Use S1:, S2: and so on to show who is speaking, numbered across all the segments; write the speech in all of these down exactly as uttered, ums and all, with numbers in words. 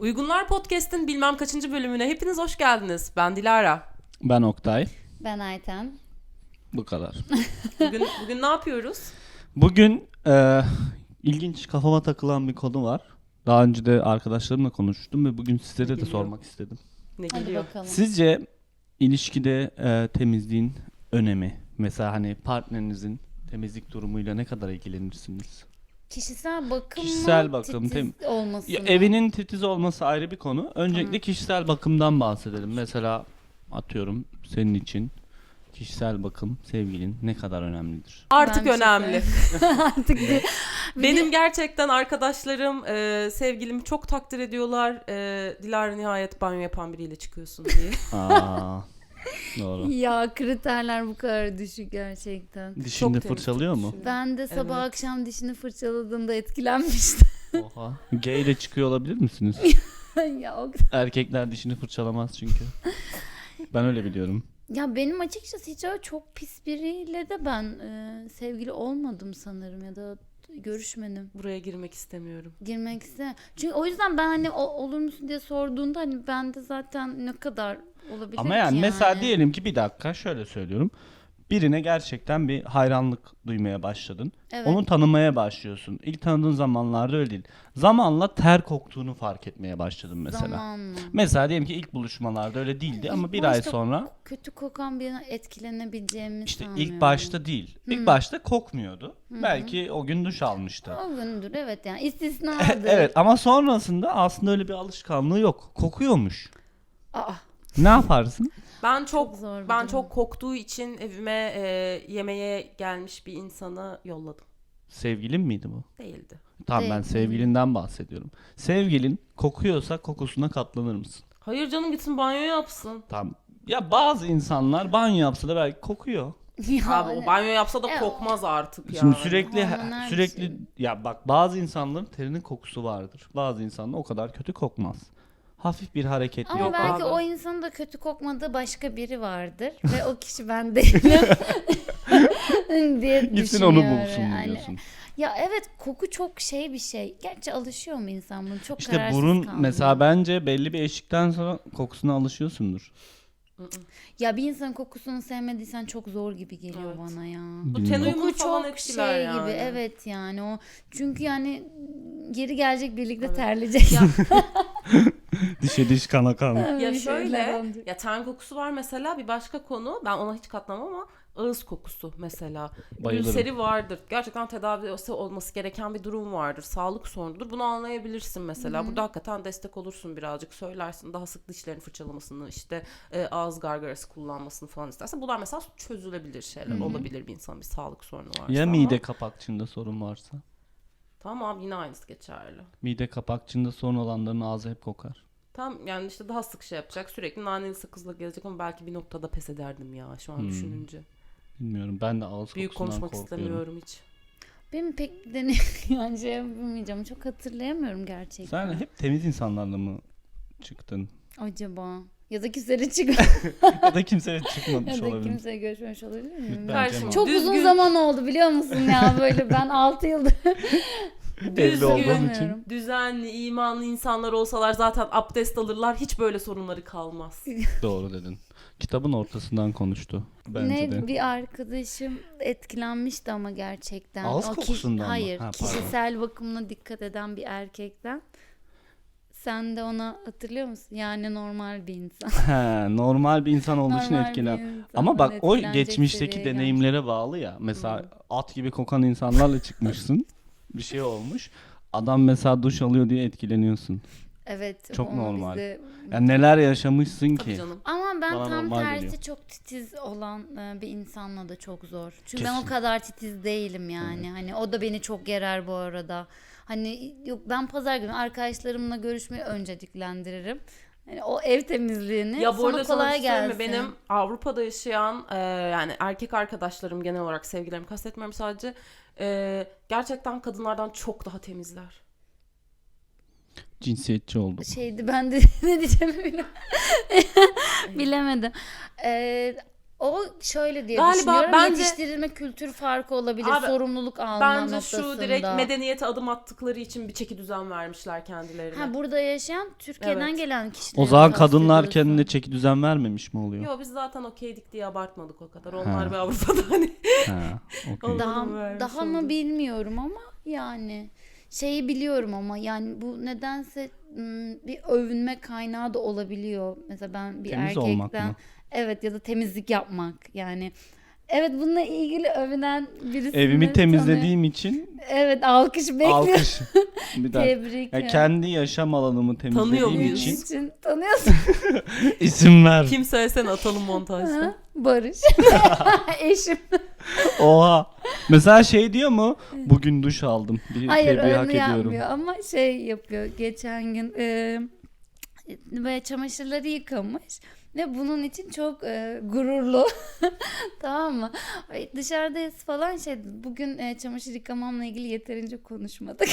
S1: Uygunlar Podcast'in bilmem kaçıncı bölümüne hepiniz hoş geldiniz. Ben Dilara.
S2: Ben Oktay.
S3: Ben Ayten.
S2: Bu kadar.
S1: Bugün bugün ne yapıyoruz?
S2: Bugün e, ilginç kafama takılan bir konu var. Daha önce de arkadaşlarımla konuştum ve bugün sizlere de
S1: Geliyor.
S2: sormak istedim.
S1: Ne
S3: Hadi
S1: geliyor?
S3: bakalım.
S2: Sizce ilişkide e, temizliğin önemi, mesela hani partnerinizin temizlik durumuyla ne kadar ilgilenirsiniz?
S3: Kişisel bakım
S2: Kişisel
S3: mı?
S2: bakım,
S3: titiz
S2: tem-
S3: olması
S2: Ya,
S3: mı?
S2: evinin titiz olması ayrı bir konu. Öncelikle
S3: Tamam.
S2: kişisel bakımdan bahsedelim. Mesela atıyorum senin için kişisel bakım sevgilin ne kadar önemlidir?
S1: Artık
S3: Ben bir şey
S1: önemli.
S3: Artık bir-
S1: Benim gerçekten arkadaşlarım, e, sevgilimi çok takdir ediyorlar. E, Dilara nihayet banyo yapan biriyle çıkıyorsun diye.
S2: Aa, doğru.
S3: ya kriterler bu kadar düşük gerçekten.
S2: Dişini
S1: temiz
S2: fırçalıyor mu?
S1: tutuşuyor.
S3: Ben de sabah
S1: Evet.
S3: akşam dişini fırçaladığımda etkilenmiştim.
S2: Oha. Gay ile çıkıyor olabilir misiniz?
S3: ya, o...
S2: Erkekler dişini fırçalamaz çünkü. Ben öyle biliyorum.
S3: ya benim açıkçası hiç öyle çok pis biriyle de ben e, sevgili olmadım sanırım ya da görüşmedim.
S1: Buraya girmek istemiyorum.
S3: Girmek iste. Çünkü o yüzden ben hani o, olur musun diye sorduğunda hani ben de zaten ne kadar olabilir
S2: Ama
S3: ki
S2: yani
S3: yani.
S2: mesela diyelim ki bir dakika şöyle söylüyorum. Birine gerçekten bir hayranlık duymaya başladın.
S3: Evet.
S2: Onu tanımaya başlıyorsun. İlk tanıdığın zamanlarda öyle değil. Zamanla ter koktuğunu fark etmeye başladın mesela.
S3: Zamanla.
S2: Mesela diyelim ki ilk buluşmalarda öyle değildi ama
S3: İlk
S2: bir ay
S3: başta
S2: sonra
S3: kötü kokan birine etkilenebileceğimi
S2: işte
S3: sanmıyorum.
S2: ilk başta değil. İlk başta kokmuyordu. Belki o gün duş almıştı.
S3: O gündür evet yani istisnadır.
S2: Evet ama sonrasında aslında öyle bir alışkanlığı yok. Kokuyormuş.
S3: Aa,
S2: Ne yaparsın?
S1: Ben çok,
S3: Çok zor bir
S1: ben
S3: durum.
S1: çok koktuğu için evime e, yemeğe gelmiş bir insanı yolladım.
S2: Sevgilin miydi bu?
S1: Değildi.
S2: Tamam ben
S3: Değil.
S2: sevgilinden bahsediyorum. Sevgilin kokuyorsa kokusuna katlanır mısın?
S1: Hayır canım, gitsin banyo yapsın.
S2: Tamam. Ya bazı insanlar banyo yapsa da belki kokuyor.
S3: ya,
S1: Abi o banyo yapsa da
S3: Evet.
S1: kokmaz artık ya.
S2: Şimdi sürekli
S3: Hormonal bir
S2: sürekli
S3: şey.
S2: ya bak bazı insanların terinin kokusu vardır. Bazı insanlar o kadar kötü kokmaz. Hafif bir hareket
S3: ama
S1: Yok
S3: belki
S1: abi.
S3: o insanın da kötü kokmadığı başka biri vardır ve o kişi ben değilim diye
S2: Gitsin
S3: düşünüyorum.
S2: onu bulsun mu
S3: Yani.
S2: diyorsun.
S3: Ya evet koku çok şey bir şey. Gerçi alışıyor mu insan bunu? Çok
S2: İşte
S3: kararsız
S2: burun
S3: kaldım.
S2: mesela bence belli bir eşikten sonra kokusuna alışıyorsundur.
S3: Ya bir insanın kokusunu sevmediysen çok zor gibi geliyor
S1: Evet.
S3: bana ya.
S1: Bu
S2: Bilmiyorum.
S1: ten uyumu
S3: Koku
S1: falan
S3: çok
S1: etkiler
S3: şey
S1: yani.
S3: gibi evet yani o çünkü yani geri gelecek birlikte
S1: Evet.
S3: terleyecek.
S1: Ya,
S2: Dişe diş kana kan.
S1: ya
S3: Bir şeyler
S1: şöyle,
S3: olacak.
S1: ya ten kokusu var mesela, bir başka konu. Ben ona hiç katlamam ama ağız kokusu mesela.
S2: Bayılırım.
S1: Ülseri vardır. Gerçekten tedavisi olması gereken bir durum vardır. Sağlık sorunudur. Bunu anlayabilirsin mesela. Burada hakikaten destek olursun birazcık. Söylersin daha sık dişlerini fırçalamasını, işte e, ağız gargarası kullanmasını falan istersen. Bunlar mesela çözülebilir şeyler. Olabilir bir insanın bir sağlık sorunu varsa.
S2: Ya
S1: ama-
S2: mide kapakçığında sorun varsa?
S1: Tamam, yine aynısı geçerli.
S2: Mide kapakçığında sorun olanların ağzı hep kokar.
S1: Tam yani işte daha sık şey yapacak. Sürekli naneli sakızla gelecek ama belki bir noktada pes ederdim ya şu an
S2: Hmm.
S1: düşününce.
S2: Bilmiyorum ben de ağız
S1: Büyük
S2: kokusundan
S1: konuşmak
S2: korkuyorum.
S1: istemiyorum hiç.
S3: Benim pek deney yani şey yapamayacağım. Çok hatırlayamıyorum gerçekten.
S2: Sen hep temiz insanlarla mı çıktın?
S3: Acaba ya da kimseyle çık
S2: Ya da kimseyle çıkmamış
S3: ya da
S2: olabilir.
S3: kimseye görüşmemiş olabilir miyim?
S2: Bence
S1: Karşıma
S2: mi?
S3: Çok
S1: düzgün,
S3: uzun zaman oldu biliyor musun ya böyle ben altı yıldır
S2: Evli olduğum
S1: düzgün,
S2: için.
S1: düzenli, imanlı insanlar olsalar zaten abdest alırlar. Hiç böyle sorunları kalmaz.
S2: Doğru dedin. Kitabın ortasından konuştu. Bence
S3: ne
S2: de.
S3: bir arkadaşım etkilenmişti ama gerçekten.
S2: Ağız
S3: O kiş-
S2: kokusundan mı?
S3: Hayır,
S2: Ha, pardon.
S3: kişisel bakımına dikkat eden bir erkekten. Sen de ona hatırlıyor musun? Yani normal bir insan.
S2: He, normal bir insan olduğu için
S3: Normal bir
S2: etkilen.
S3: insandan
S2: Ama bak o
S3: etkilenecek
S2: geçmişteki
S3: seviyeye gelmiş.
S2: deneyimlere bağlı ya. Mesela at gibi kokan insanlarla çıkmışsın. Bir şey olmuş. Adam mesela duş alıyor diye etkileniyorsun.
S3: Evet.
S2: Çok
S3: o
S2: normal.
S3: bize-
S2: Yani neler yaşamışsın
S1: Tabii
S2: ki.
S1: canım.
S3: Ama ben
S2: Bana
S3: tam
S2: normal
S3: tersi
S2: geliyor.
S3: çok titiz olan e, bir insanla da çok zor. Çünkü ben
S2: Kesin.
S3: o kadar titiz değilim yani. Hani o da beni çok gerer bu arada. Hani yok ben pazar günü arkadaşlarımla görüşmeyi önceliklendiririm. Hani o ev temizliğini
S1: Ya bu
S3: sana
S1: arada sana bir
S3: kolay
S1: şey söyleyeyim mi?
S3: gelsin.
S1: Benim Avrupa'da yaşayan e, yani erkek arkadaşlarım, genel olarak sevgilerimi kastetmiyorum sadece. e, gerçekten kadınlardan çok daha temizler.
S2: Cinsiyetçi oldum.
S3: Şeydi ben de ne diyeceğimi bile- bilemedim. Ee, O şöyle diye
S1: Galiba
S3: düşünüyorum.
S1: bence-
S3: Yetiştirilme kültür farkı olabilir.
S1: Abi,
S3: sorumluluk alma
S1: Bence
S3: noktasında.
S1: şu direkt medeniyete adım attıkları için bir çeki düzen vermişler kendilerine.
S3: Ha, burada yaşayan Türkiye'den
S1: Evet.
S3: gelen kişiler.
S2: O zaman kadınlar kendine çeki düzen vermemiş mi oluyor?
S1: Yo biz zaten okeydik diye abartmadık o kadar.
S2: Ha.
S1: Onlar bir Avrupa'da hani.
S2: Ha, okey.
S3: Daha,
S1: Onu vermiş
S3: daha mı
S1: oldu.
S3: bilmiyorum ama yani şeyi biliyorum ama yani bu nedense ım, bir övünme kaynağı da olabiliyor. Mesela ben bir
S2: Temiz olmak
S3: erkekten
S2: mı?
S3: evet ya da temizlik yapmak yani. Evet, bununla ilgili övünen birisini
S2: Evimi
S3: tanı-
S2: temizlediğim için
S3: Evet, alkış bekliyorum.
S2: alkış. Bir dakika.
S3: Tebrik.
S2: Ya kendi yaşam alanımı
S1: Tanıyor
S2: temizlediğim
S1: muyuz?
S2: için
S3: için tanıyorsun.
S2: isim ver.
S1: Kim söylesene atalım montajda.
S3: Ha, Barış. Eşim.
S2: Oha. Mesela şey diyor mu? Bugün duş aldım. Bir
S3: Hayır,
S2: tebriği hak
S3: onu
S2: ediyorum.
S3: yapmıyor ama şey yapıyor. Geçen gün e, böyle çamaşırları yıkamış ve bunun için çok e, gururlu. Tamam mı? Ay, dışarıdayız falan, şey bugün e, çamaşır yıkamamla ilgili yeterince konuşmadık.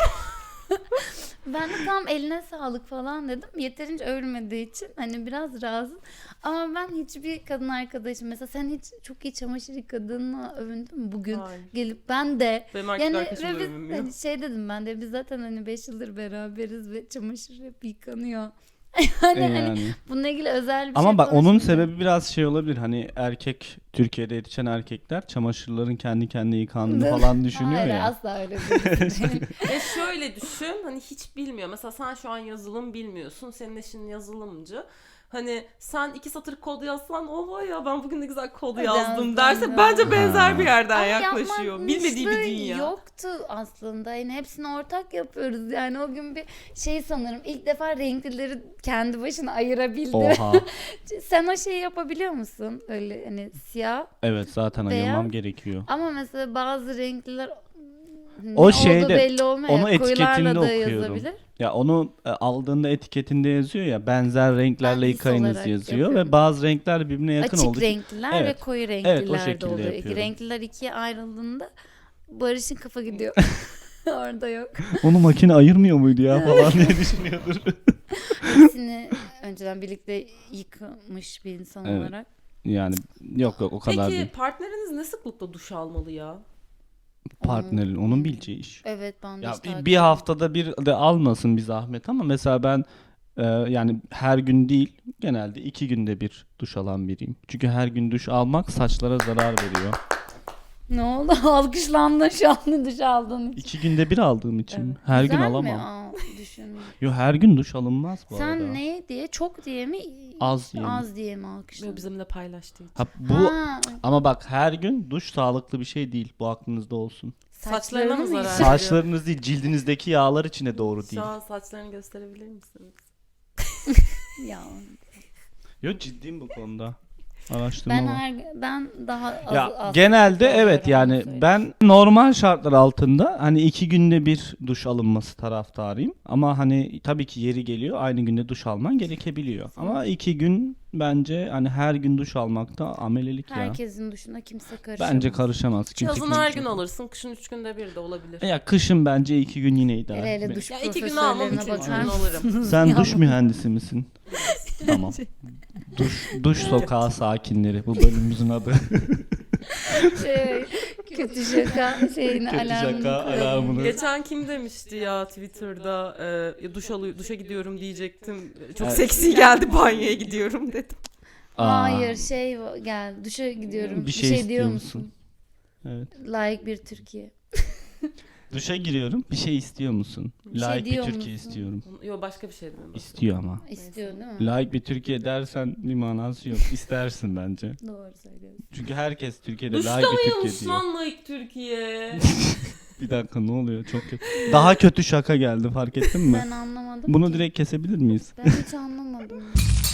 S3: Ben de tam eline sağlık falan dedim. Yeterince övülmediği için hani biraz razı. Ama ben hiçbir kadın arkadaşım, mesela sen hiç çok iyi çamaşır yıkadığını övündün mü bugün?
S1: Hayır.
S3: Gelip ben de
S1: Benim erkek
S3: yani
S1: arkadaşım da
S3: ve biz,
S1: övünmüyor.
S3: hani şey dedim ben de, biz zaten hani beş yıldır beraberiz ve çamaşır hep yıkanıyor.
S2: E
S3: hani, hani
S2: yani.
S3: bununla ilgili özel bir
S2: Ama
S3: şey
S2: bak onun
S3: konuşmayacağım.
S2: sebebi biraz şey olabilir. Hani erkek, Türkiye'de yetişen erkekler çamaşırların kendi kendine yıkandığını falan düşünüyor
S3: Hayır,
S2: ya.
S3: asla öyle değil.
S1: E şöyle düşün, hani hiç bilmiyor. Mesela sen şu an yazılım bilmiyorsun. Senin eşin yazılımcı. Hani sen iki satır kod yazsan, oha ya ben bugün ne güzel kod
S3: Evet,
S1: yazdım
S3: yazdım
S1: derse
S3: ya.
S1: bence benzer
S2: Ha.
S1: bir yerden
S3: Ama
S1: yaklaşıyor. Bilmediği bir
S3: yapmamışlığı
S1: dünya.
S3: yoktu aslında. Yani hepsini ortak yapıyoruz. Yani o gün bir şey, sanırım ilk defa renklileri kendi başına ayırabildi.
S2: Oha.
S3: Sen o şeyi yapabiliyor musun? Öyle hani siyah.
S2: Evet, zaten
S3: Beyaz.
S2: ayırmam gerekiyor.
S3: Ama mesela bazı renkliler ne
S2: O
S3: olduğu
S2: şeyde,
S3: belli olmuyor.
S2: onu
S3: Ya, koyularla
S2: etiketinde
S3: da
S2: okuyorum.
S3: yazabilir.
S2: Ya onu e, aldığında etiketinde yazıyor ya, benzer renklerle
S3: Ben his
S2: yıkayınız
S3: olarak
S2: yazıyor
S3: yapıyorum.
S2: ve bazı renkler birbirine yakın
S3: Açık
S2: olduğu için-
S3: renkliler
S2: Evet.
S3: ve koyu
S2: Evet,
S3: renkliler
S2: o
S3: de
S2: şekilde
S3: oluyor.
S2: yapıyorum.
S3: Renkliler ikiye ayrıldığında Barış'ın kafa gidiyor. Orada yok.
S2: onu makine ayırmıyor muydu ya falan diye düşünüyordur.
S3: Hepsini önceden birlikte yıkamış bir insan
S2: Evet.
S3: olarak.
S2: Yani yok yok o kadar
S1: Peki
S2: değil.
S1: partneriniz ne sıklıkla duş almalı ya?
S2: Partnerin onun bileceği iş.
S3: Evet, ben de
S2: Ya
S3: hiç
S2: bir,
S3: takip
S2: bir haftada bir de almasın bir zahmet ama mesela ben e, yani her gün değil, genelde iki günde bir duş alan biriyim. Çünkü her gün duş almak saçlara zarar veriyor.
S3: Ne oldu? Alkışlandın şu an duş aldığın için.
S2: İki günde bir aldığım için mi? her gün
S3: Güzel
S2: alamam.
S3: mi? Aa, düşün.
S2: Yo, her gün duş alınmaz bu
S3: Sen
S2: arada.
S3: ne diye? Çok diye mi?
S2: Az diye mi?
S3: Az diye mi
S1: Yo,
S3: alkışladın?
S1: bizimle paylaştığı için.
S2: Ha, bu
S3: Ha,
S2: ama bak, her gün duş sağlıklı bir şey değil. Bu aklınızda olsun.
S1: Saçlarına mı
S3: mı
S1: zarar
S3: yıkadın?
S1: veriyor?
S2: Saçlarınız değil, cildinizdeki yağlar için de doğru değil.
S1: Şu an saçlarını gösterebilir misiniz?
S3: Ya.
S2: Yo, ciddiyim bu konuda. Araştırma
S3: Ben
S2: var.
S3: her ben daha az,
S2: Ya
S3: az
S2: genelde
S3: oluyorum,
S2: evet,
S3: onu
S2: yani
S3: söyleyeyim.
S2: ben normal şartlar altında hani iki günde bir duş alınması taraftarıyım. Ama hani tabii ki yeri geliyor aynı günde duş alman gerekebiliyor. Ama iki gün bence hani her gün duş almak da amelelik ya.
S3: Herkesin duşuna kimse karışamaz.
S2: Bence karışamaz. Kimse
S1: Yazın her gün
S2: kimse-
S1: alırsın, kışın üç günde bir de olabilir.
S2: Ya kışın bence iki gün yine idare.
S3: Hele hele
S2: Be-
S3: duş
S1: Ya iki gün almam,
S3: profesörlerine
S1: üçüncü
S3: bakar
S1: gün alırım.
S3: mısınız?
S2: Sen
S3: ya?
S2: duş mühendisi misin? Tamam. Duş, duş sokağı sakinleri bu bölümümüzün adı.
S3: Şey, kötü şaka şeyini
S2: Kötü
S3: alarmını
S2: şaka
S3: koyalım.
S2: alarmını.
S1: Geçen kim demişti ya Twitter'da e, duş alı duşa gidiyorum diyecektim. Çok
S2: Evet.
S1: seksi geldi, banyoya gidiyorum dedim.
S2: Aa,
S3: Hayır, şey gel duşa gidiyorum.
S2: Bir şey
S3: diyor
S2: istiyor
S3: musun?
S2: musun? Evet.
S3: Layık bir Türkiye.
S2: Duşa giriyorum. Bir şey istiyor musun?
S3: Bir şey
S2: Layık bir
S3: diyor
S2: Türkiye
S3: musun?
S2: istiyorum.
S1: Yo başka bir şey dedim.
S2: İstiyor ama.
S3: İstiyor değil mi?
S2: Layık bir Türkiye dersen bir manası yok. İstersin bence.
S3: Doğru söylüyorsun.
S2: Çünkü herkes Türkiye'de
S1: Duşta
S2: layık bir Türkiye
S1: mıymış
S2: diyor.
S1: lan layık Türkiye?
S2: Bir dakika, ne oluyor? Çok kötü. Daha kötü şaka geldi, fark ettin mi?
S3: Ben anlamadım
S2: Bunu
S3: ki.
S2: direkt kesebilir miyiz?
S3: Ben hiç anlamadım.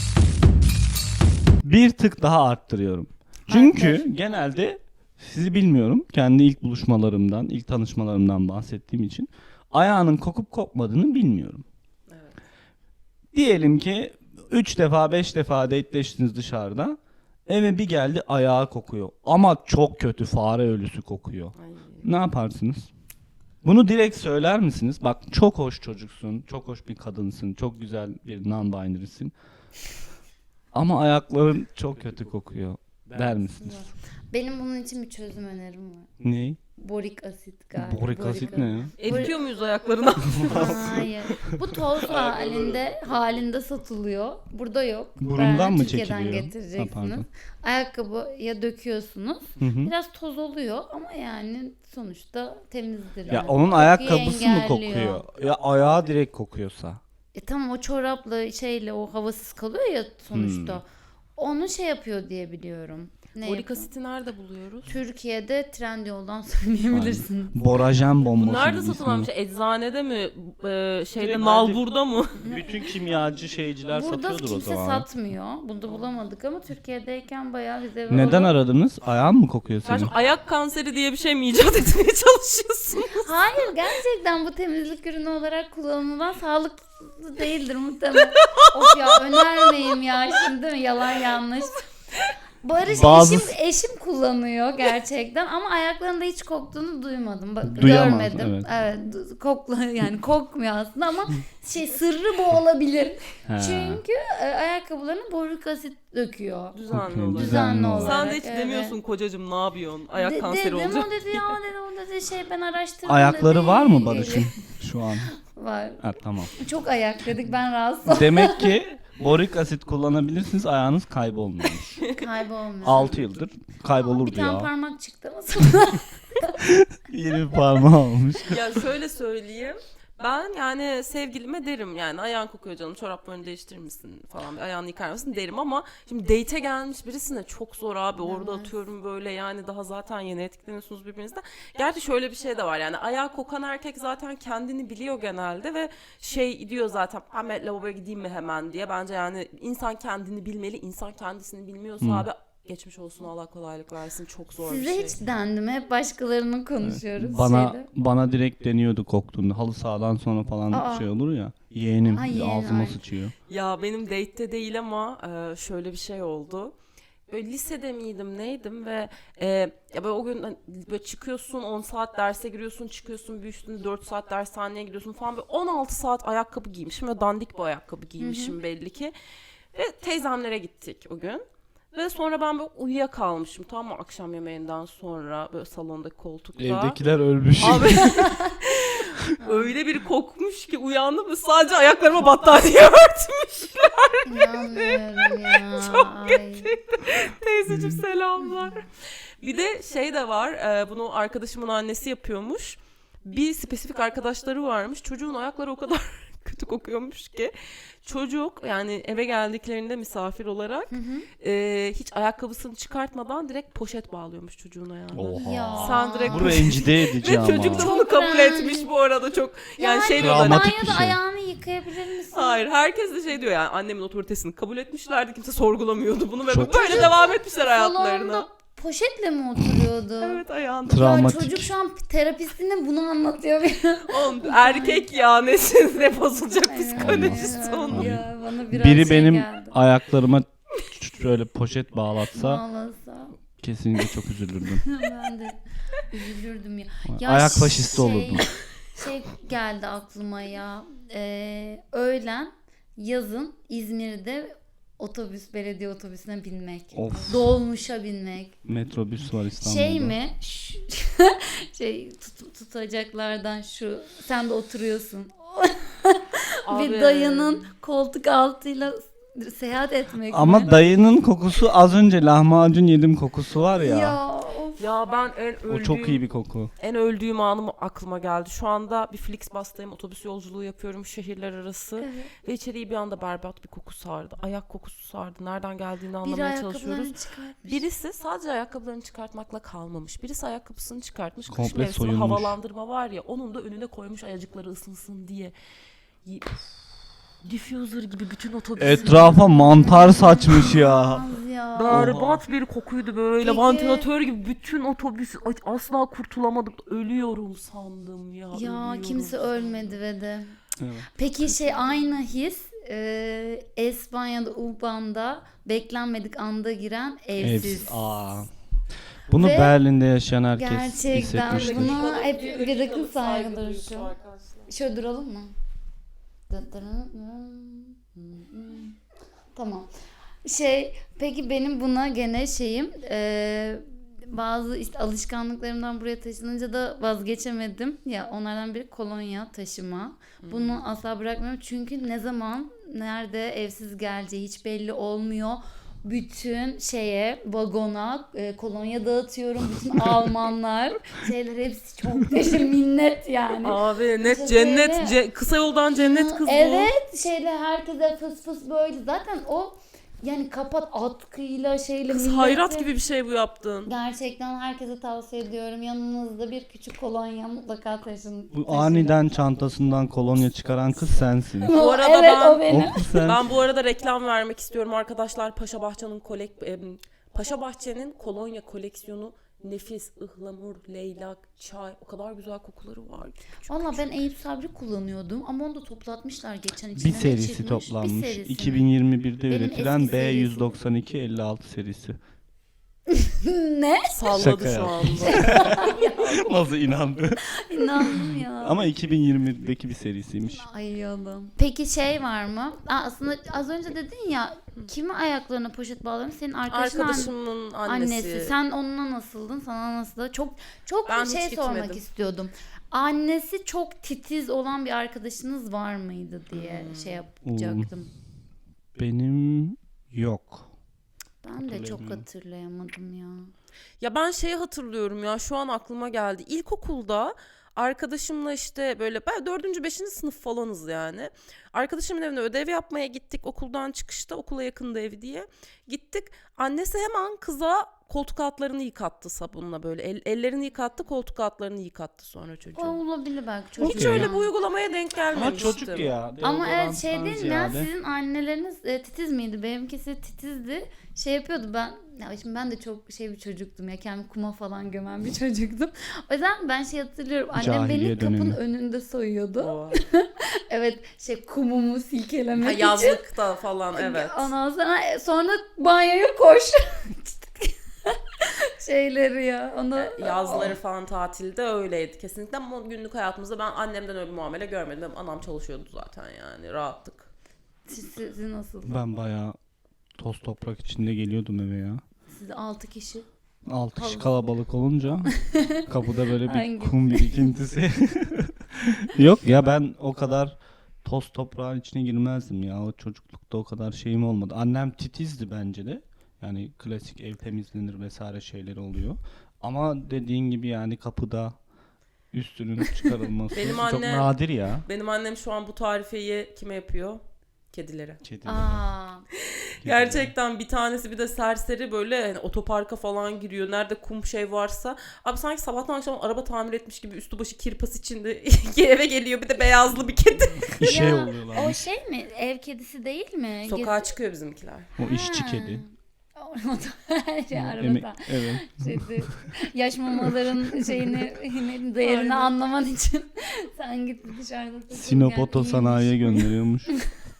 S2: Bir tık daha arttırıyorum. Çünkü
S3: Arttır.
S2: genelde sizi bilmiyorum. Kendi ilk buluşmalarımdan, ilk tanışmalarımdan bahsettiğim için ayağının kokup kokmadığını bilmiyorum.
S1: Evet.
S2: Diyelim ki üç defa beş defa dateleştiniz dışarıda. Eve bir geldi, ayağı kokuyor. Ama çok kötü, fare ölüsü kokuyor.
S1: Ay.
S2: Ne yaparsınız? Bunu direkt söyler misiniz? Bak, çok hoş çocuksun, çok hoş bir kadınsın, çok güzel bir non-binary'sin. Ama ayakların çok kötü kokuyor. der misiniz?
S3: Benim bunun için bir çözüm önerim var.
S2: Ne?
S3: Borik asit galiba.
S2: Borik asit ne ya?
S1: Eritiyor muyuz ayaklarına?
S3: Hayır. Bu toz halinde halinde satılıyor. Burada yok.
S2: Burundan
S3: Ben
S2: mı
S3: Türkiye'den
S2: çekiliyor? Ha,
S3: getireceksiniz.
S2: pardon.
S3: Ayakkabıya döküyorsunuz.
S2: Hı hı.
S3: Biraz toz oluyor ama yani sonuçta temizdir.
S2: Ya
S3: yani.
S2: onun
S3: Kokuyu
S2: ayakkabısı mı
S3: engelliyor.
S2: kokuyor? Ya ayağı direkt kokuyorsa.
S3: E tamam, o çorapla şeyle o havasız kalıyor ya sonuçta.
S2: Hmm.
S3: Onu şey yapıyor diye biliyorum. Ne
S1: Borik
S3: yapıyor?
S1: asiti nerede buluyoruz?
S3: Türkiye'de Trendyol'dan söyleyebilirsin.
S2: Borajen bombası.
S1: Nerede
S2: gibi
S1: satılan bir
S2: ismi.
S1: şey? Eczanede mi? Ee, şeyde
S2: Direkt
S1: Nalbur'da mı?
S2: Bütün kimyacı şeyciler
S3: Burada
S2: satıyordur o
S3: kimse
S2: zaman.
S3: satmıyor. Burada bulamadık ama Türkiye'deyken bayağı bize
S2: Neden aradınız? Ayağın mı kokuyor senin?
S1: Kardeşim ayak kanseri diye bir şey mi icat etmeye çalışıyorsun?
S3: Hayır, gerçekten bu temizlik ürünü olarak kullanılan sağlıklı değildir muhtemelen. Of ya, önermeyeyim ya şimdi, değil mi? Yalan yanlış. Barış
S2: Bazı-
S3: eşim eşim kullanıyor gerçekten ama ayaklarında hiç koktuğunu duymadım. Bak,
S2: Duyamaz,
S3: görmedim.
S2: evet.
S3: Evet, du- kokla yani kokmuyor aslında ama şey, sırrı bu olabilir.
S2: He.
S3: Çünkü e, ayakkabılarına borik asit döküyor.
S1: Düzenli
S2: Okey,
S1: olarak.
S3: Düzenli olarak.
S1: Sen de hiç
S3: evet.
S1: demiyorsun kocacığım ne yapıyorsun? Ayak
S3: De-
S1: kanseri
S3: dedim,
S1: olacak.
S3: o dedi ya, dedi o dedi şey, ben araştırdım
S2: Ayakları
S3: dedi.
S2: var mı Barış'ın şu an?
S3: Var.
S2: Ha, tamam.
S3: Çok ayak dedik, ben rahatsız oldum.
S2: Demek ki borik asit kullanabilirsiniz, ayağınız kaybolmuyormuş.
S3: Kaybolmuyor.
S2: altı yıldır kaybolurdu
S3: Bir tane
S2: ya.
S3: parmak çıktı ama sonra.
S2: Yeni bir parmağı olmuş.
S1: Ya şöyle söyleyeyim. Ben yani sevgilime derim yani ayağın kokuyor canım, çoraplarını değiştirir misin falan, bir ayağını yıkar mısın derim ama şimdi date'e gelmiş birisine çok zor abi, orada
S3: Evet.
S1: atıyorum böyle yani, daha zaten yeni etkileniyorsunuz birbirinizden. Gerçi şöyle bir şey de var yani, ayağı kokan erkek zaten kendini biliyor genelde ve şey diyor zaten, hemen lavaboya gideyim mi hemen diye. Bence yani insan kendini bilmeli, insan kendisini bilmiyorsa
S2: Hmm.
S1: abi geçmiş olsun, Allah kolaylık versin, çok zor bir
S3: Size
S1: şey.
S3: hiç dendi mi? Hep başkalarının konuşuyoruz.
S2: Bana
S3: şeyde.
S2: bana direkt deniyordu koktuğunda. Halı sahadan sonra falan
S3: Aa.
S2: şey olur ya. Yeğenim
S3: Ay, yeğen,
S2: ağzıma
S3: ay.
S2: sıçıyor.
S1: Ya benim date'te değil ama e, şöyle bir şey oldu. Böyle lisede miydim neydim ve e, ya böyle o gün hani böyle çıkıyorsun, on saat derse giriyorsun, çıkıyorsun, bir üstüne dört saat dershaneye gidiyorsun falan, böyle on altı saat ayakkabı giymişim ve dandik bir ayakkabı giymişim belli ki. Ve teyzemlere gittik o gün. Ve sonra ben böyle uyuyakalmışım, tamam mı, akşam yemeğinden sonra böyle salondaki koltukta.
S2: Evdekiler ölmüş.
S1: Abi öyle bir kokmuş ki uyandım ve sadece ayaklarıma battaniye örtmüş.
S3: İnanmıyorum ya. Çok kötü.
S1: Teyzeciğim selamlar. Bir de şey de var, e, bunu arkadaşımın annesi yapıyormuş. Bir spesifik arkadaşları varmış. Çocuğun ayakları o kadar kötü kokuyormuş ki. Çocuk yani eve geldiklerinde misafir olarak e, hiç ayakkabısını çıkartmadan direkt poşet bağlıyormuş çocuğun ayağına.
S2: Oha.
S3: Ya.
S1: Sen direkt
S2: Bu rencide edici
S1: Ve
S2: ama.
S1: çocuk da
S3: Çok
S1: bunu kabul
S3: önemli.
S1: etmiş bu arada, çok yani,
S3: Yani
S1: şey diyorlar.
S2: Dramatik bir
S3: banyoda
S2: şey.
S3: ayağını yıkayabilir misin?
S1: Hayır, herkes de şey diyor yani, annemin otoritesini kabul etmişlerdi, kimse sorgulamıyordu bunu ve
S2: Çok-
S1: böyle devam etmişler hayatlarına.
S3: Salonda poşetle mi oturuyordu?
S1: Evet, ayağında.
S3: Ya
S2: Travmatik.
S3: çocuk şu an terapistine bunu anlatıyor.
S1: Oğlum erkek ya, nesin ne bozulacak
S3: Ay,
S1: psikolojisi onun.
S3: Ya bana biraz
S2: Biri
S3: şey
S2: benim
S3: geldi.
S2: ayaklarıma şöyle poşet bağlatsa
S3: Ağlasa.
S2: kesinlikle çok üzülürdüm.
S3: Ben de üzülürdüm ya. Ya
S2: Ayak faşisti
S3: şey-
S2: olurdum.
S3: Şey geldi aklıma ya. Ee, öğlen yazın İzmir'de otobüs, belediye otobüsüne binmek.
S2: Of.
S3: Dolmuşa binmek.
S2: Metrobüs var İstanbul'da.
S3: Şey mi? Ş- şey tut- tutacaklardan şu. Sen de oturuyorsun.
S1: Abi.
S3: Bir dayının koltuk altıyla seyahat etmek
S2: Ama
S3: mi?
S2: dayının kokusu, az önce lahmacun yedim kokusu var ya.
S3: Ya of.
S1: Ya ben en öldüğüm,
S2: O çok iyi bir koku.
S1: en öldüğüm anım aklıma geldi. Şu anda bir Flixbus'tayım, otobüs yolculuğu yapıyorum şehirler arası.
S3: Evet.
S1: Ve içeriği bir anda berbat bir koku sardı. Ayak kokusu sardı. Nereden geldiğini
S3: Biri
S1: anlamaya
S3: ayakkabılarını
S1: çalışıyoruz.
S3: çıkartmış.
S1: Birisi sadece ayakkabılarını çıkartmakla kalmamış. Birisi ayakkabısını çıkartmış. Kış
S2: Komple
S1: mevsimi
S2: soyulmuş.
S1: havalandırma var ya, onun da önüne koymuş ayacıkları ısınsın diye. Y- Diffuser gibi bütün otobüs.
S2: Etrafa mantar saçmış ya.
S3: Az ya.
S1: Berbat bir kokuydu böyle.
S3: Peki-
S1: Vantilatör gibi bütün otobüs. Ay, asla kurtulamadık. Ölüyorum sandım ya.
S3: Ya
S1: ölüyorum
S3: kimse
S1: sandım.
S3: ölmedi ve de.
S2: Evet.
S3: Peki şey, aynı his e, Espanya'da U-Bahn'da beklenmedik anda giren evsiz.
S2: Evsiz. Aa. Bunu
S3: Ve
S2: Berlin'de yaşayan herkes
S3: gerçekten
S2: hissetmiştir.
S3: bunu hep bir dakika saygı
S1: duyuyoruz
S3: duruşu.
S1: arkadaşlar.
S3: Şöyle duralım mı? Tamam. Şey, peki benim buna gene şeyim e, bazı işte alışkanlıklarımdan buraya taşınınca da vazgeçemedim. Ya onlardan biri kolonya taşıma. Bunu asla bırakmıyorum çünkü ne zaman nerede evsiz geleceği hiç belli olmuyor. Bütün şeye vagona e, kolonya dağıtıyorum. Bütün Almanlar şeyler hepsi çok teşekkür minnet yani.
S1: Abi net
S3: İşte
S1: cennet,
S3: böyle-
S1: ce- kısa yoldan cennet kız bu.
S3: Evet, şeyle herkese fıs fıs böyle. Zaten o yani kapat atkıyla şeyle
S1: Kız
S3: millete-
S1: hayrat gibi bir şey bu yaptığın.
S3: Gerçekten herkese tavsiye ediyorum. Yanınızda bir küçük kolonya mutlaka taşın.
S2: Bu
S3: taşıyın.
S2: aniden çantasından kolonya çıkaran kız sensin.
S1: Bu arada
S3: evet,
S1: ben-
S3: o benim.
S2: O kız sensin.
S1: Ben bu arada reklam vermek istiyorum arkadaşlar. Paşa Bahçe'nin kolek em, Paşa Bahçe'nin kolonya koleksiyonu nefis, ıhlamur, leylak, çay, o kadar güzel kokuları var.
S3: Valla ben Eyüp Sabri kullanıyordum ama onu da toplatmışlar geçen
S2: Bir
S3: içinden
S2: serisi
S3: geçirmiş.
S2: toplanmış.
S3: Bir serisini.
S2: iki bin yirmi birde
S3: Benim
S2: üretilen
S3: eski
S2: B
S3: serisi.
S2: yüz doksan iki elli altı serisi.
S3: Ne?
S1: Salladı
S2: Şaka
S1: şu
S2: ya.
S1: anda.
S2: Nasıl inandı?
S3: İnandım ya.
S2: Ama iki bin yirmideki bir serisiymiş.
S3: Ay oğlum. Peki şey var mı? Aa, aslında az önce dedin ya kimi ayaklarına poşet bağlarım? Senin arkadaşın
S1: Arkadaşımın annesi.
S3: annesi. Sen onunla nasıldın? Sana nasıl? Çok çok
S1: Ben
S3: bir
S1: hiç
S3: şey sormak
S1: gitmedim.
S3: istiyordum. Annesi çok titiz olan bir arkadaşınız var mıydı diye
S1: Hmm.
S3: şey yapacaktım.
S2: Benim yok.
S3: Ben de çok
S2: Hatırlayamıyorum.
S3: hatırlayamadım ya.
S1: Ya ben şeyi hatırlıyorum ya, şu an aklıma geldi. İlkokulda arkadaşımla işte böyle ben dördüncü beşinci sınıf falanız yani. Arkadaşımın evine ödev yapmaya gittik okuldan çıkışta, okula yakında evi diye. Gittik, annesi hemen kıza koltuk altlarını yıkattı sabunla böyle. El- ellerini yıkattı, koltuk altlarını yıkattı sonra
S3: O
S1: çocuğun.
S3: olabilir belki çocuk.
S1: Hiç öyle bir uygulamaya denk
S2: Ama
S1: gelmemiştim.
S2: çocuk ya.
S3: Ama evet
S2: deodoranttan
S3: şey değil mi ya,
S2: ziyade.
S3: sizin anneleriniz e, titiz miydi? Benimkisi titizdi. Şey yapıyordu ben, ya şimdi ben de çok şey bir çocuktum ya, kendimi kuma falan gömen bir çocuktum. O yüzden ben şey hatırlıyorum, annem
S2: Cahiliye
S3: beni kapının
S2: dönemi.
S3: önünde soyuyordu.
S1: O.
S3: Evet, şey kumumu silkelemek
S1: Ha,
S3: için.
S1: yazlıkta falan evet.
S3: Ondan sonra e, sonra banyoya koş. Şeyleri ya. Onu
S1: Yazları falan tatilde öyleydi kesinlikle, ama günlük hayatımızda ben annemden öyle bir muamele görmedim. Benim anam çalışıyordu zaten, yani rahattık.
S3: siz, siz nasıl?
S2: Ben bayağı toz toprak içinde geliyordum eve ya.
S3: Siz altı kişi.
S2: Altı kişi
S3: Havuz.
S2: kalabalık olunca kapıda böyle bir
S3: Hangi?
S2: kum birikintisi. Yok ya, ben o kadar toz toprağın içine girmezdim ya. O çocuklukta o kadar şeyim olmadı. Annem titizdi bence de. Yani klasik ev temizlenir vesaire şeyleri oluyor. Ama dediğin gibi yani kapıda üstünün çıkarılması
S1: Benim
S2: çok
S1: annem-
S2: nadir ya.
S1: Benim annem şu an bu tarifeyi kime yapıyor? Kedilere.
S2: Kediler.
S3: Aa.
S1: Gerçekten bir tanesi bir de serseri, böyle hani otoparka falan giriyor. Nerede kum şey varsa. Abi sanki sabahtan akşama araba tamir etmiş gibi üstü başı kirpas içinde eve geliyor. Bir de beyazlı bir kedi.
S2: İşe
S3: Ya,
S2: oluyorlar.
S3: o şey mi? Ev kedisi değil mi?
S1: Sokağa çıkıyor bizimkiler.
S2: O işçi
S3: Ha.
S2: kedi.
S3: Her şey
S2: Emek-
S3: arabada.
S2: evet.
S3: Şeydi, yaş mamaların şeyini, yine değerini
S1: Aynen.
S3: anlaman için sen git dışarıda takıl,
S2: Sinop
S3: gel,
S2: Oto
S3: iyiymiş.
S2: Sanayi'ye gönderiyormuş.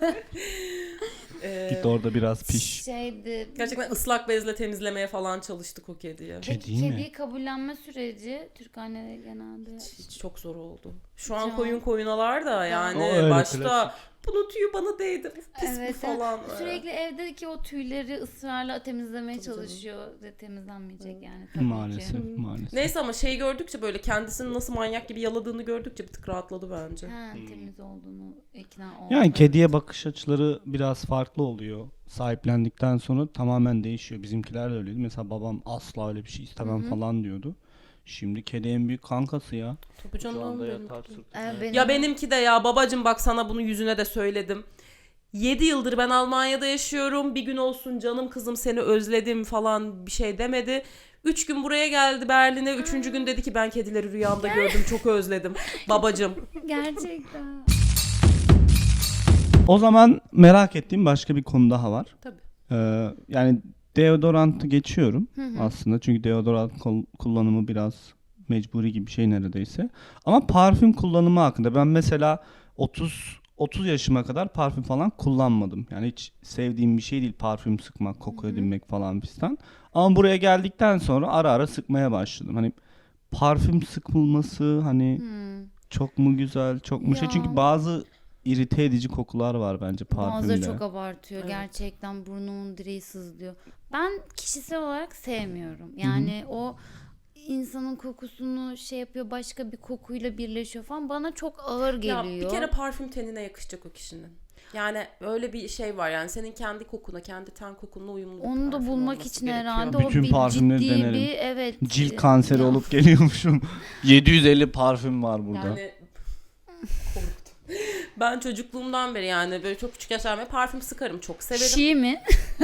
S1: Ee,
S2: Git orada biraz piş.
S3: Şeydi.
S1: gerçekten ıslak bezle temizlemeye falan çalıştık o kediyi.
S2: Kedi
S3: Peki
S2: değil mi?
S3: kediyi kabullenme süreci Türk anneleri genelde
S1: Hiç çok zor oldu. Şu an
S3: Can.
S1: koyun koyunalar da yani
S2: O öyle
S1: başta
S2: klasik.
S1: bunun tüyü bana değdi. Pis
S3: Evet,
S1: bu falan.
S3: sürekli evdeki o tüyleri ısrarla temizlemeye
S1: Tabii canım.
S3: çalışıyor ve temizlenmeyecek yani tabii
S2: Maalesef,
S3: ki.
S2: maalesef.
S1: Neyse, ama şeyi gördükçe, böyle kendisini nasıl manyak gibi yaladığını gördükçe bir tık rahatladı bence.
S3: Ha, temiz olduğunu ikna oldu.
S2: Yani kediye bakış açıları biraz farklı oluyor. Sahiplendikten sonra tamamen değişiyor. Bizimkiler de öyleydi. Mesela babam asla öyle bir şey istemem
S3: Hı hı.
S2: falan diyordu. Şimdi kedi en büyük kankası ya.
S1: Tabii
S2: Şu anda
S1: canım benim.
S2: yatar sırtında.
S3: Ee, benim-
S1: Ya benimki de ya babacım, bak sana bunu yüzüne de söyledim. yedi yıldır ben Almanya'da yaşıyorum. Bir gün olsun canım kızım seni özledim falan bir şey demedi. üç gün buraya geldi Berlin'e. Üçüncü gün dedi ki ben kedileri rüyamda gördüm, çok özledim. Babacım.
S3: Gerçekten.
S2: O zaman merak ettiğim başka bir konu daha var.
S1: Tabii.
S2: Ee, yani deodorantı geçiyorum
S3: Hı hı.
S2: aslında. Çünkü deodorant kol- kullanımı biraz mecburi gibi bir şey neredeyse. Ama parfüm kullanımı hakkında ben mesela otuz otuz yaşıma kadar parfüm falan kullanmadım. Yani hiç sevdiğim bir şey değil parfüm sıkmak, koku edinmek falan fistan. Ama buraya geldikten sonra ara ara sıkmaya başladım. Hani parfüm sıkılması hani
S3: Hmm.
S2: çok mu güzel, çok mu şey.
S3: Ya.
S2: Çünkü bazı irite edici kokular var bence parfümde.
S3: Bazıları çok abartıyor.
S1: Evet.
S3: Gerçekten burnumun direği sızlıyor. Ben kişisel olarak sevmiyorum. Yani o insanın kokusunu şey yapıyor, başka bir kokuyla birleşiyor falan. Bana çok ağır geliyor.
S1: Ya bir kere parfüm tenine yakışacak o kişinin. Yani öyle bir şey var yani senin kendi kokuna, kendi ten kokunla uyumlu bir
S3: Onu da
S1: parfüm
S3: bulmak
S1: olması
S3: için
S1: gerekiyor.
S3: herhalde
S2: Bütün
S3: o bir
S2: parfümleri
S3: ciddi
S2: denerim.
S3: bir evet.
S2: Cilt kanseri
S3: Ya.
S2: olup geliyormuşum. yedi yüz elli parfüm var burada.
S1: Yani korktum. Ben çocukluğumdan beri yani böyle çok küçük yaşlarımda parfüm sıkarım, çok severim.
S3: Şi mi?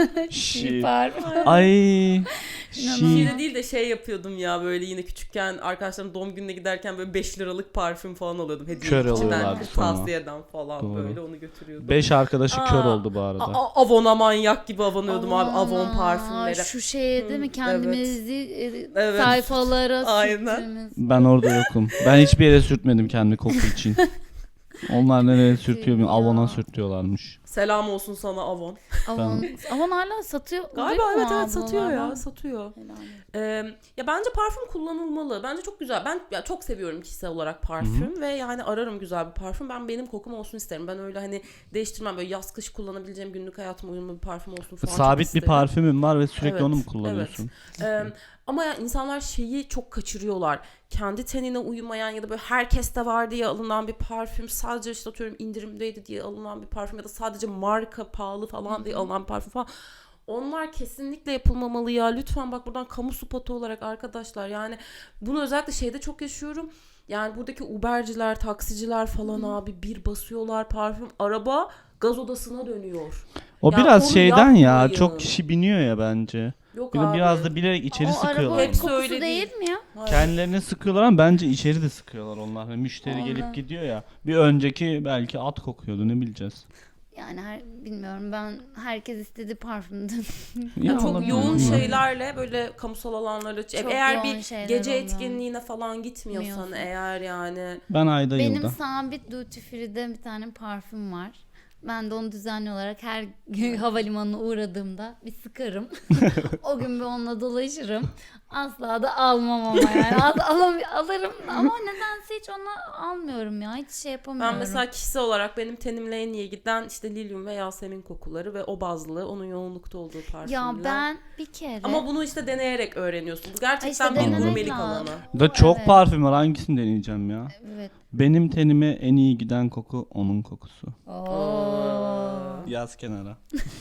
S2: Şi.
S3: Parfüm.
S2: Ay.
S3: İnanılmaz.
S2: Şi.
S1: Şiire değil de şey yapıyordum ya böyle yine küçükken arkadaşlarım doğum gününe giderken böyle beş liralık parfüm falan alıyordum. Hediye
S2: Kör
S1: içinden,
S2: oluyorlardı sonra.
S1: tavsiyeden falan
S2: Doğru.
S1: böyle onu götürüyordum.
S2: Beş arkadaşı
S1: Aa,
S2: kör oldu bu arada.
S1: A- A- Avon'a manyak gibi avonuyordum abi,
S3: Aman
S1: Avon
S3: ha,
S1: parfümleri.
S3: Şu şeye değil mi
S1: Hı,
S3: kendimizi e,
S1: Evet.
S3: sayfalara
S1: Aynen.
S3: sürtmemiz.
S2: Ben orada yokum. Ben hiçbir yere sürtmedim kendi koku için. Onlar nereye sürtüyor bilmiyorum.
S3: Ya.
S2: Avona sürtüyorlarmış.
S1: Selam olsun sana Avon.
S3: Avon, Avon hala satıyor.
S1: Galiba
S3: değil mi
S1: evet evet
S3: ablalar?
S1: satıyor ya,
S3: Ben-
S1: satıyor.
S3: Helal olsun.
S1: Ee, ya bence parfüm kullanılmalı. Bence çok güzel. Ben ya çok seviyorum kişisel olarak parfüm ve yani ararım güzel bir parfüm. Ben benim kokum olsun isterim. Ben öyle hani değiştirmem, böyle yaz kış kullanabileceğim, günlük hayatıma uyumlu bir parfüm olsun falan. çok
S2: Sabit bir
S1: isterim.
S2: parfümün var ve sürekli
S1: Evet,
S2: onu mu kullanıyorsun?
S1: Ee, ama ya insanlar şeyi çok kaçırıyorlar. Kendi tenine uymayan ya da böyle herkeste var diye alınan bir parfüm, sadece işte atıyorum indirimdeydi diye alınan bir parfüm ya da sadece marka pahalı falan diye alınan bir parfüm falan. Onlar kesinlikle yapılmamalı ya. Lütfen bak buradan kamu spotu olarak arkadaşlar, yani bunu özellikle şeyde çok yaşıyorum. Yani buradaki Uber'ciler, taksiciler falan abi bir basıyorlar parfüm, araba gaz odasına dönüyor.
S2: O
S1: Ya
S2: biraz
S1: onu
S2: şeyden ya.
S1: yapmayın.
S2: Çok kişi biniyor ya bence.
S1: Yok
S2: Bir de
S1: abi.
S2: biraz da bilerek içeri
S3: O
S2: sıkıyorlar.
S3: arabanın
S1: Hepsi
S3: kokusu
S1: öyle
S3: değil,
S1: değil.
S3: mi ya?
S1: Hayır.
S2: Kendilerine sıkıyorlar ama bence içeri de sıkıyorlar onlar. Hani müşteri
S3: Onlar-
S2: gelip gidiyor ya. Bir önceki belki at kokuyordu, ne bileceğiz.
S3: Yani her, bilmiyorum, ben herkes istediği parfümdü.
S1: Ya çok
S2: olabilir,
S1: yoğun
S2: bilmiyorum.
S1: şeylerle böyle kamusal alanlara
S3: Çok
S1: eğer
S3: yoğun
S1: bir
S3: şeyler
S1: gece
S3: oluyor.
S1: etkinliğine falan gitmiyorsan
S3: Bilmiyorsun.
S1: eğer yani
S2: Ben ayda
S3: Benim
S2: yılda.
S3: sabit duty free'de bir tane parfüm var. Ben de onu düzenli olarak her gün havalimanına uğradığımda bir sıkarım. O gün bir onunla dolaşırım. Asla da almam ama yani. Az, alam, alırım ama nedense hiç onu almıyorum ya. Hiç şey yapamıyorum.
S1: ben mesela kişisel olarak benim tenimle en iyi giden işte lilyum ve yasemin kokuları ve o bazlı onun yoğunlukta olduğu parfümler.
S3: Ya ben bir kere...
S1: Ama bunu işte deneyerek öğreniyorsun. Bu gerçekten
S3: işte
S1: bir
S2: denemek
S1: gurmelik
S3: lazım.
S1: alanı.
S2: Da çok
S3: Evet.
S2: parfüm var. Hangisini deneyeceğim ya?
S3: Evet.
S2: Benim tenime en iyi giden koku onun kokusu.
S3: Oo.
S2: Yaz kenara.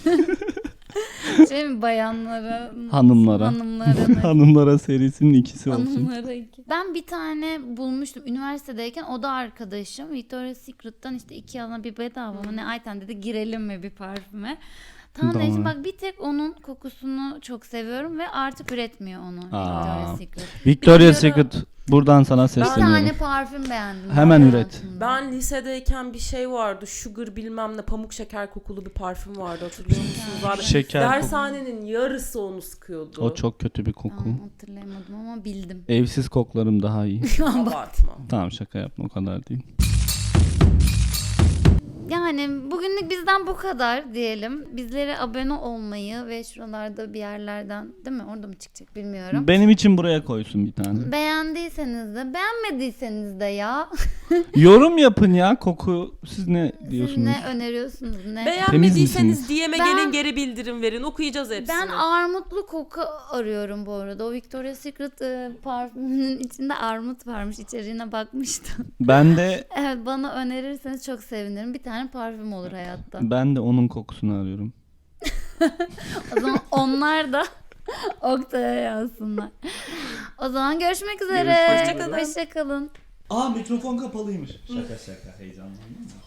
S3: Şey mi, bayanlara?
S2: Hanımlara.
S3: Hanımlara.
S2: Hanımlara serisinin ikisi olsun.
S3: Hanımlara iki. Ben bir tane bulmuştum üniversitedeyken, o da arkadaşım. Victoria's Secret'tan işte iki alana bir bedava mı ne, Ayten dedi girelim mi bir parfüme. Tamam
S2: Tamam.
S3: dedim, bak bir tek onun kokusunu çok seviyorum ve artık üretmiyor onu
S2: Aa.
S3: Victoria's Secret.
S2: Victoria's
S3: Bilmiyorum.
S2: Secret, buradan sana
S3: Bir
S2: sesleniyorum.
S3: tane parfüm beğendim.
S2: Hemen
S3: ben
S2: üret.
S3: hayatımda.
S1: Ben lisedeyken bir şey vardı. Sugar bilmem ne, pamuk şeker kokulu bir parfüm vardı, hatırlıyor musunuz abi?
S2: Şeker koku.
S1: Dershanenin yarısı onu sıkıyordu.
S2: O çok kötü bir koku.
S3: Tamam, hatırlayamadım ama bildim.
S2: Evsiz koklarım daha iyi.
S1: Abartma.
S2: Tamam, şaka yapma, o kadar değil.
S3: Yani bugünlük bizden bu kadar diyelim. Bizlere abone olmayı ve şuralarda bir yerlerden, değil mi? Orada mı çıkacak bilmiyorum.
S2: Benim için buraya koysun bir tane.
S3: Beğendiyseniz de, beğenmediyseniz de ya.
S2: Yorum yapın ya, koku siz ne
S3: Siz
S2: diyorsunuz?
S3: ne öneriyorsunuz ne?
S1: Beğenmediyseniz D M'e
S3: Ben-
S1: gelin, geri bildirim verin. Okuyacağız hepsini.
S3: Ben armutlu koku arıyorum bu arada. O Victoria's Secret e, parfümünün içinde armut varmış. İçeriğine bakmıştım.
S2: Ben de
S3: Evet, bana önerirseniz çok sevinirim. Bir tane parfüm olur hayatta.
S2: ben de onun kokusunu arıyorum.
S3: O zaman onlar da Oktay'a yazsınlar. O zaman görüşmek üzere.
S1: Hoşça kalın.
S3: Hoşça kalın.
S2: Aa, mikrofon kapalıymış. Şaka şaka, heyecanlandım.